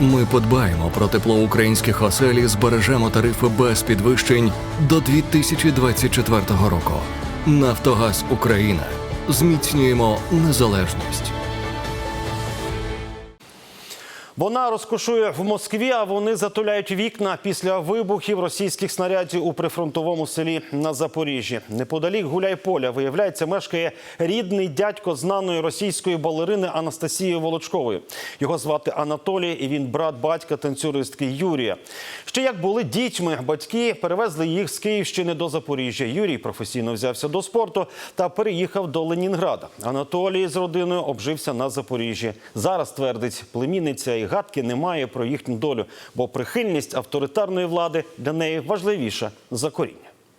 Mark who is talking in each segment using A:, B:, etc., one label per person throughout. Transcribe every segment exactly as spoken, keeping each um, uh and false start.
A: Ми подбаємо про тепло українських осель і збережемо тарифи без підвищень до дві тисячі двадцять четвертого року. Нафтогаз Україна. Зміцнюємо незалежність.
B: Вона розкошує в Москві, а вони затуляють вікна після вибухів російських снарядів у прифронтовому селі на Запоріжжі. Неподалік Гуляйполя, виявляється, мешкає рідний дядько знаної російської балерини Анастасії Волочкової. Його звати Анатолій, і він брат батька танцюристки Юрія. Ще як були дітьми, батьки перевезли їх з Київщини до Запоріжжя. Юрій професійно взявся до спорту та переїхав до Ленінграда. Анатолій з родиною обжився на Запоріжжі. Зараз, твердить племінниця, і гадки немає про їхню долю, бо прихильність авторитарної влади для неї важливіша за коріння.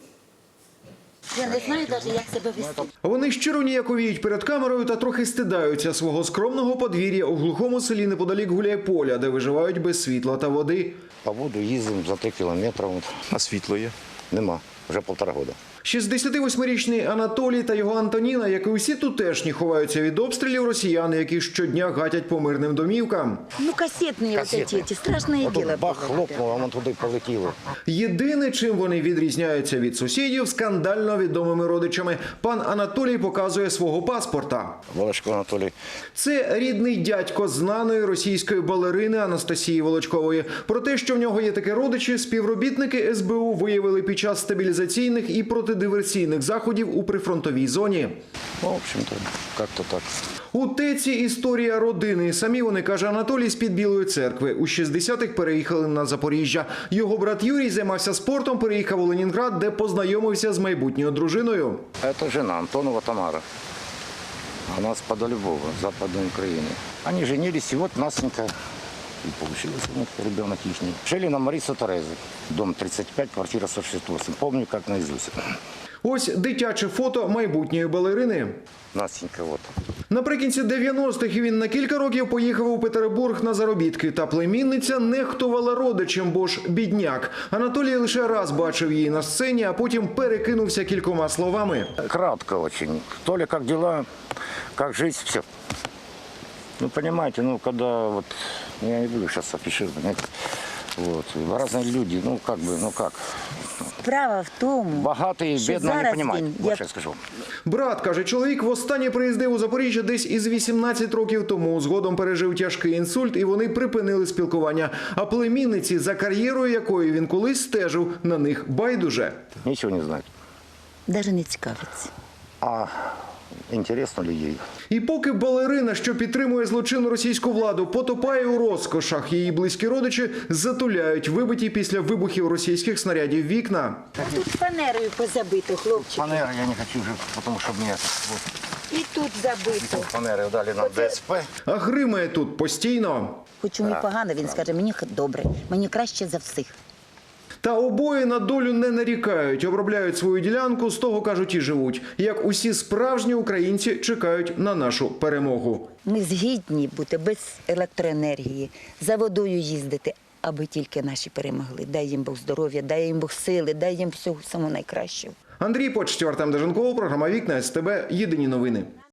C: Я не знаю навіть, як себе вести.
D: Вони щиро ніяковіють перед камерою та трохи стидаються свого скромного подвір'я у глухому селі неподалік Гуляйполя, де виживають без світла та води.
E: По воду їздимо за три кілометри.
F: А світло є?
E: Нема, вже півтора року.
D: шістдесятивосьмирічний Анатолій та його Антоніна, як і усі тутешні, ховаються від обстрілів росіян, які щодня гатять по мирним домівкам.
C: Ну, касетні ось ці, ці страшне
E: От
C: діло.
E: бах, хлопнув, а воно туди полетіло.
D: Єдине, чим вони відрізняються від сусідів, скандально відомими родичами. Пан Анатолій показує свого паспорта.
E: Волочко Анатолій.
D: Це рідний дядько знаної російської балерини Анастасії Волочкової. Про те, що в нього є такі родичі, співробітники ес бе у виявили під час стабілізаційних і протидиверсійних заходів у прифронтовій зоні.
E: Ну, в общем-то, як-то так.
D: У ТЕЦі історія родини. Самі вони, каже Анатолій, з-під Білої церкви. У шістдесятих переїхали на Запоріжжя. Його брат Юрій займався спортом, переїхав у Ленінград, де познайомився з майбутньою дружиною.
E: Це жена Антонова Тамара. Вона з-под Львова, Западної України. Вони женились, і от Насенька и получилось у них ребенок ихний. Жили на Марису Терези, дом тридцать пять, квартира сто шестьдесят восемь. Помню, как наизусть.
D: Ось дитяче фото майбутньої балерини.
E: Насенька, от.
D: Наприкінці дев'яностих він на кілька років поїхав у Петербург на заробітки. Та племінниця нехтувала родичем, бо ж бідняк. Анатолій лише раз бачив її на сцені, а потім перекинувся кількома словами.
E: Кратко очень. Толя, как дела, как жизнь, все. Ну, понимаете, ну, когда вот, я не буду сейчас афишировать, вот, разные люди, ну, как бы, ну, как.
C: Справа в тому,
E: Багатий,
C: що
E: бідний, не
C: зараз
E: розуміють,
C: він,
E: от
C: як-
E: що я скажу.
D: Брат, каже, чоловік востаннє приїздив у Запоріжжя десь із вісімнадцять років тому. Згодом пережив тяжкий інсульт, і вони припинили спілкування. А племінниці, за кар'єрою якої він колись стежив, на них байдуже.
E: Нічого не знають.
C: навіть не цікавиться.
E: А інтересно ли їй?
D: І поки балерина, що підтримує злочинну російську владу, потопає у розкошах, її близькі родичі затуляють вибиті після вибухів російських снарядів вікна.
C: Тут фанерою позабито, хлопчик.
E: Фанери я не хочу вже, тому що мені вот,
C: І тут забито.
E: фанери дали нам
C: Оце-
E: ДСП.
D: А гримає тут постійно.
C: Хоч йому погано, він скаже, мені добре, мені краще за всіх.
D: Та обоє на долю не нарікають, обробляють свою ділянку, з того, кажуть, і живуть. Як усі справжні українці чекають на нашу перемогу.
C: Ми згідні бути без електроенергії, за водою їздити, аби тільки наші перемогли. Дай їм Бог здоров'я, дай їм Бог сили, дай їм всього самого найкращого.
D: Андрій Почтів, Артем Деженков, програма «Вікна ес те бе», єдині новини.